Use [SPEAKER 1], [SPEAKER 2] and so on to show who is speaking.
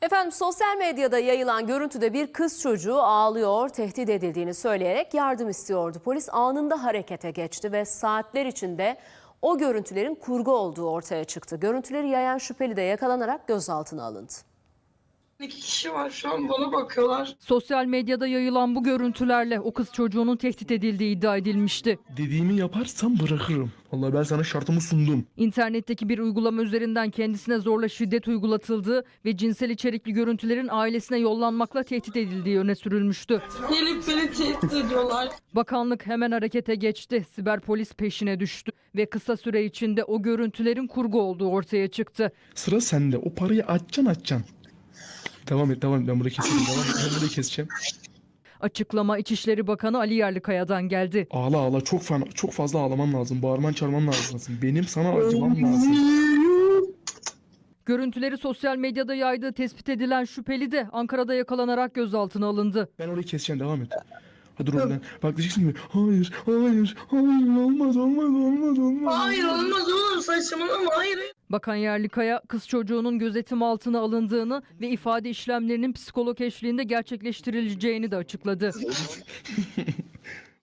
[SPEAKER 1] Efendim sosyal medyada yayılan görüntüde bir kız çocuğu ağlıyor, tehdit edildiğini söyleyerek yardım istiyordu. Polis anında harekete geçti ve saatler içinde o görüntülerin kurgu olduğu ortaya çıktı. Görüntüleri yayan şüpheli de yakalanarak gözaltına alındı.
[SPEAKER 2] 2 kişi var şu an bana bakıyorlar.
[SPEAKER 3] Sosyal medyada yayılan bu görüntülerle o kız çocuğunun tehdit edildiği iddia edilmişti.
[SPEAKER 4] Dediğimi yaparsan bırakırım. Vallahi ben sana şartımı sundum.
[SPEAKER 3] İnternetteki bir uygulama üzerinden kendisine zorla şiddet uygulatıldığı ve cinsel içerikli görüntülerin ailesine yollanmakla tehdit edildiği öne sürülmüştü.
[SPEAKER 2] Gelip beni tehdit ediyorlar.
[SPEAKER 3] Bakanlık hemen harekete geçti. Siber polis peşine düştü ve kısa süre içinde o görüntülerin kurgu olduğu ortaya çıktı.
[SPEAKER 4] Sıra sende. O parayı açacaksın. Devam et. Ben burayı keseceğim. Ben burayı keseceğim.
[SPEAKER 3] Açıklama İçişleri Bakanı Ali Yerlikaya'dan geldi.
[SPEAKER 4] Ağla. Çok fazla ağlaman lazım. Bağırman çağırman lazım. Benim sana acımam lazım.
[SPEAKER 3] Görüntüleri sosyal medyada yaydığı tespit edilen şüpheli de Ankara'da yakalanarak gözaltına alındı.
[SPEAKER 4] Ben orayı keseceğim. Devam et. Hadi oradan. Bak diyeceksin ki hayır. Olmaz.
[SPEAKER 2] Hayır olmaz oğlum, saçmalama, hayır.
[SPEAKER 3] Bakan Yerlikaya kız çocuğunun gözetim altına alındığını ve ifade işlemlerinin psikolog eşliğinde gerçekleştirileceğini de açıkladı.